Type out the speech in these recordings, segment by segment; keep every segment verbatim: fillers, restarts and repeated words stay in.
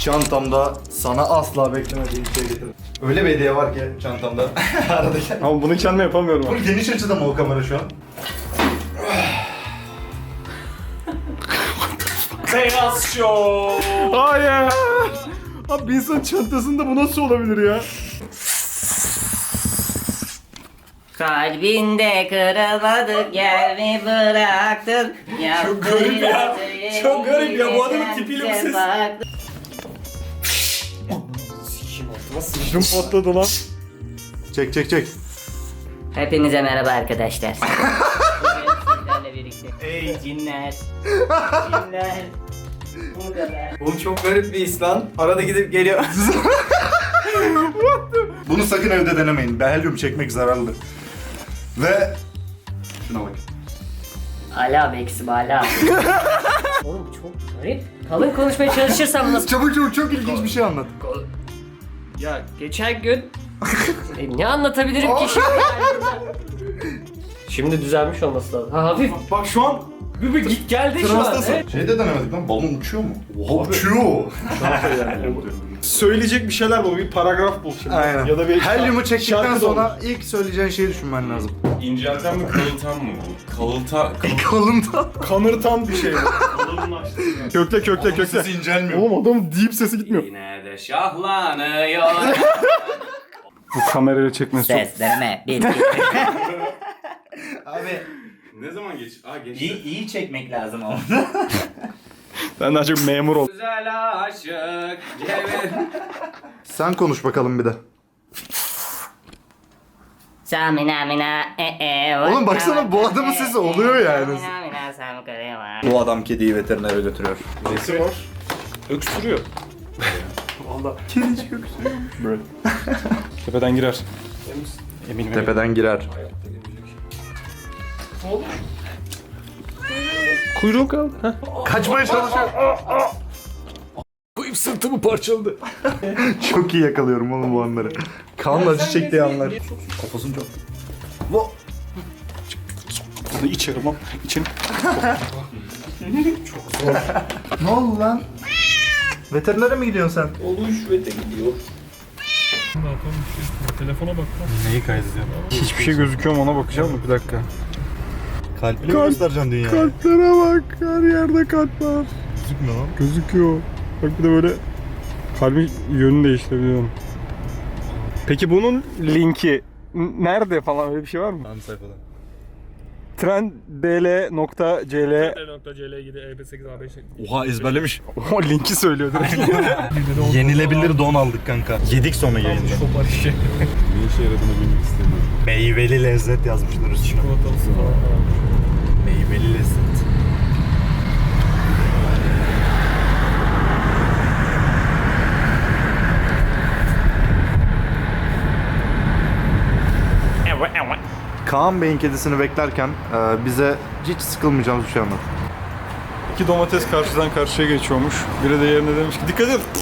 Çantamda sana asla beklemediğim şey getirdim. Öyle bir hediye var ki çantamda. Aradaki. Ama bunu kendim yapamıyorum. Bu geniş açıda mı o kamera şu an? Beyaz Show. Hayır. Abi bir insan çantasında bu nasıl olabilir ya? Kalbinde kırılmadık yer mi bıraktın? Çok garip ya. Çok garip ya. Bu adamın tipiyle bu ses. Sıçrım patladı lan. Çek çek çek. Hepinize merhaba arkadaşlar. Bugün sizlerle birlikte. Ey cinler. Cinler. Buradalar. Oğlum çok garip bir his lan. Arada gidip geliyor. Bunu sakın evde denemeyin. Behelyum çekmek zararlı. Ve şuna bak. Ala beksi bala. Oğlum çok garip. Kalın konuşmaya çalışırsam nasıl? Çabuk çabuk çok ilginç bir şey anlat. Ya geçen gün e, ne anlatabilirim ki şimdi yani burada? Şimdi düzelmiş olması lazım. Ha hafif. Bak şu an bir bir git geldi şu an. Transtasın. Evet. Şey de denemedik lan. Balon uçuyor mu? Oha uçuyor. Söyleyecek bir şeyler bul, bir paragraf bul şimdi. Aynen. Ya da bir Helyumu çektikten şarkı da sonra olur. ilk söyleyeceğin şeyi düşünmen lazım. İncelten mi kalıtan mı bu? Kalıta... Kalındı. kanırtan bir şey. kökle kökle kökle. Sesi incelmiyor. Oğlum adamın deep sesi gitmiyor. Yine de şahlanıyor. Bu kamerayla çekmesi çok... Seslerime bir Abi Ne zaman geç? Aa geçti. iyi, iyi çekmek lazım ama. Ben daha çok memur oldum. Güzel aşık. Cevher. Sen konuş bakalım bir de. Samina mina e e. Oğlum baksana, bu adamın sesi oluyor yani. Samina mina samkırıva. Bu adam kediyi veterinere götürüyor. Nesi var? Öksürüyor. Valla. Kedicik öksürüyormuş. Böyle. Tepeden girer. Eminim. Tepeden girer. Kuyruğu kaldı. Kaçmaya çalışıyor. Koyup sırtımı parçaladı. Çok iyi yakalıyorum oğlum bu anları. Kan acı çektiği anlar. Kafasını çok. Bu. Bunu içerim ama. İçerim. Ne oldu lan? Veterinere mi gidiyorsun sen? Oluş ve de gidiyor. Telefona bak lan. Neyi kaydediyorum? Hiçbir şey gözüküyor mu ona bakacağım mı? Bir dakika. Kalpli mi göstereceksin dünyaya? Kalplere bak. Her yerde kalp var. Gözükmüyor lan. Gözüküyor. Bak bir de böyle kalbin yönünü değiştirebiliyorum. Peki bunun linki n- nerede falan, öyle bir şey var mı? Hangi sayfada? trenddl.cl .cl gidi E B sekiz A beş. Oha ezberlemiş. O linki söylüyor direkt. Yenilebilir don aldık kanka. Yedik sonra yayında. Çok var işe. Ne işe yaradığını bilmek istemiyorum. Meyveli lezzet yazmışlar üstüne. Çikolatalısı falan. Meyveli lezzet. Kaan Bey'in kedisini beklerken e, bize hiç sıkılmayacağımız bir şey anlat. İki domates karşıdan karşıya geçiyormuş. Biri de yerine demiş ki dikkat et.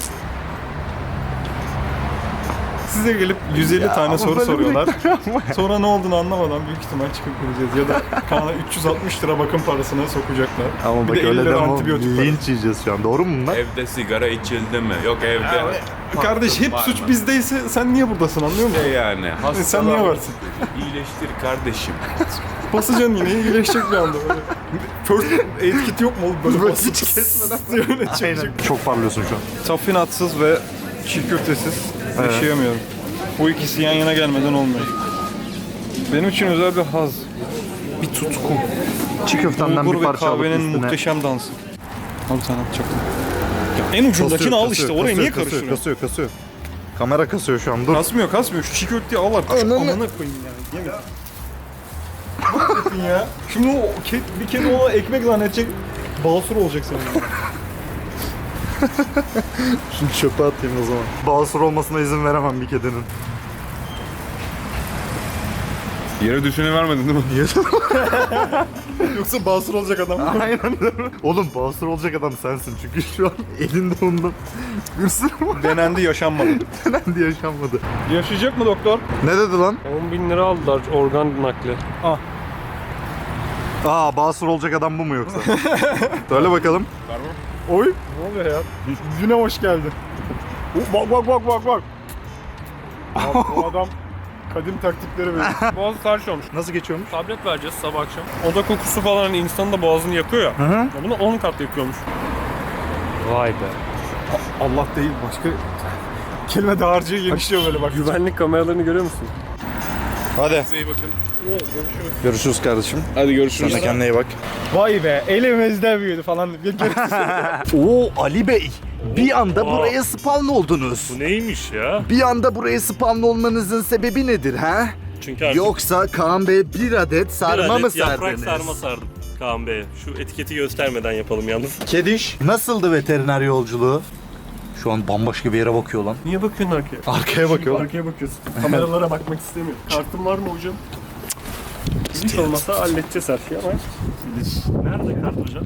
Size gelip yüz elli Ya, tane ama soru böyle soruyorlar. Sonra ne olduğunu anlamadan büyük ihtimal çıkıp gideceğiz. Ya da Kaan'a üç yüz altmış lira bakım parasına sokacaklar. Ama Bir bak de elli öyle lira deme, antibiyotik var. linç yiyeceğiz şu an. Doğru mu bunlar? Evde sigara içildi mi? Yok evde. Kardeş hep Var suç mı? bizdeyse sen niye buradasın, anlıyor musun? Ne yani? Hastalığa Sen niye varsın? İyileştir kardeşim. Basacaksın yine, iyileşecek bir anda. Böyle. First aid kit yok mu oğlum? Böyle Böyle basıp hiç kesmeden. öyle çıkacak. Çok parlıyorsun şu an. Taffinatsız ve çiğ köftesiz Evet. yaşayamıyorum. Bu ikisi yan yana gelmeden olmuyor. Benim için özel bir haz, bir tutku. Çiğ köftenden Bulgur bir ve parça alıp kahvenin üstüne. muhteşem dansı. Abi sen atacaktın. Ya en ucundakini al işte, oraya niye karıştırıyorsun? Kasıyor, kasıyor. Kamera kasıyor şu an, dur. Kasmıyor kasmıyor, şu çiğ köfteyi al artık. Şu amına koyayım yani, yemin. Bakın ya. Şimdi o ke bir kedi ona ekmek zannedecek, basur olacak senin. Şunu çöpe atayım o zaman. Basur olmasına izin veremem bir kedinin. Yere düşeni vermedin değil mi? Yoksa basur olacak adam. Aynen. Oğlum basur olacak adam sensin çünkü şu an elinde ondan bir sürü var. Denendi, yaşanmadı. Denendi, yaşanmadı. Yaşayacak mı doktor? Ne dedi lan? on bin lira aldılar organ nakli. Aa, basur olacak adam bu mu yoksa? Söyle bakalım. Oy. Ne oluyor ya? Güne hoş geldin. Bak bak bak bak bak. Bak, bu adam kadim taktikleri böyle. Boğazı tarih olmuş. Nasıl geçiyormuş? Tablet vereceğiz sabah akşam. Oda kokusu falan hani insanın da boğazını yakıyor ya. Hı hı. Ya bunu on kat yakıyormuş. Vay be. Allah değil başka kelime dağarcığı genişliyor böyle bak. Güvenlik kameralarını görüyor musun? Hadi. Size iyi bakın. Görüşürüz kardeşim. Hadi görüşürüz. Sen de kendine iyi bak. Vay be elimizde büyüdü falan. Bir gerisi. Oo Ali Bey. Bir anda buraya spawn oldunuz. Bu neymiş ya? Bir anda buraya spawn olmanızın sebebi nedir ha? Çünkü artık Yoksa Kaan Bey bir adet bir sarma adet mı yaprak sardınız? sarma sardım Kaan Bey. Şu etiketi göstermeden yapalım yalnız. Kediş. Nasıldı veteriner yolculuğu? Şu an bambaşka bir yere bakıyor lan. Niye bakıyorsun arkaya? Arkaya bakıyor lan. Arkaya bakıyorsun. Kameralara bakmak istemiyorum. Kartın var mı hocam? Hiç olmasa halledeceğiz her şeyi ama. Nerede kart hocam?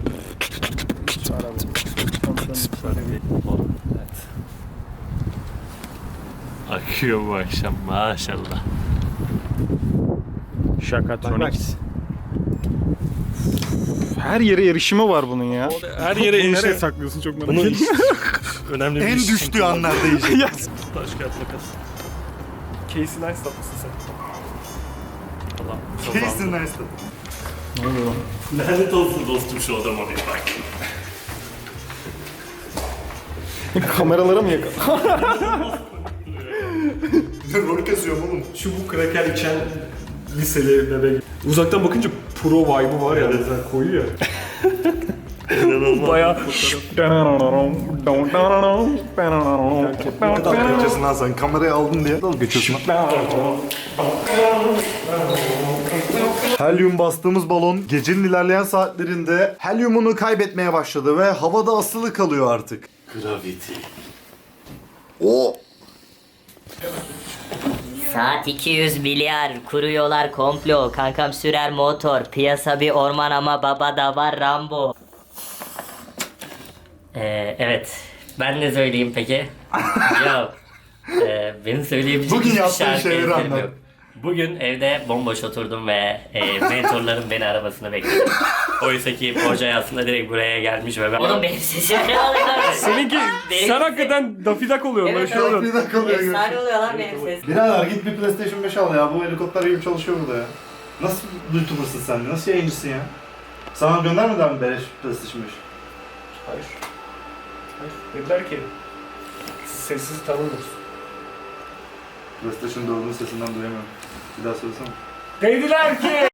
Evet. Akıyor bu akşam maşallah. Şakatronics. Her yere erişimi var bunun ya. Her yere Bunu nereye erişe... saklıyorsun çok merak Bunun ediyorum. önemli bir En iş. düştüğü anlarda yiyecek. Taş kağıt makas. Casey Neistat mısın sen? Allah. Kesin nice. Lanet olsun dostum şu adama bir bak. Kameralara mı yakın? Rol kasıyorum oğlum. Çubuk kraker içen liseli bebek. Uzaktan bakınca pro vibe'ı var ya. Mesela koyuyor ya. İnanılmaz. Bayağı Ne kadar geçiyorsun lan sen? Kamerayı aldın diye. Dalga geçiyorsun lan. Helyum bastığımız balon gecenin ilerleyen saatlerinde helyumunu kaybetmeye başladı ve havada asılı kalıyor artık. Gravity. O Saat iki yüz milyar, kuruyorlar komplo, kankam sürer motor, piyasa bir orman ama baba da var Rambo. Ee, evet. Ben ne söyleyeyim peki? Yok. Ee, benim söyleyebileceğim Bugün hiçbir yaptığın şarkı şeyleri ezberim anlat. yok. Bugün evde bomboş oturdum ve e, mentorlarım beni arabasına bekledi. Oysa ki Hocay aslında direkt buraya gelmiş ve ben... Oğlum benim sesim ne oluyor? seninki Benim- sen hakikaten dafidak oluyorsun. Evet, böyle şey evet. oluyor. bir dakika oluyor. Efsane oluyor lan benim sesim. Birader git bir PlayStation beş al ya. Bu helikopter gibi çalışıyor burada ya. Nasıl YouTuber'sın sen? Nasıl yayıncısın ya? Sana göndermediler mi beleş PlayStation beş? Hayır. Hayır. Dediler ki sessiz tanınırız. PlayStation dördün sesinden duyamıyorum. Bir daha söylesene. Dediler ki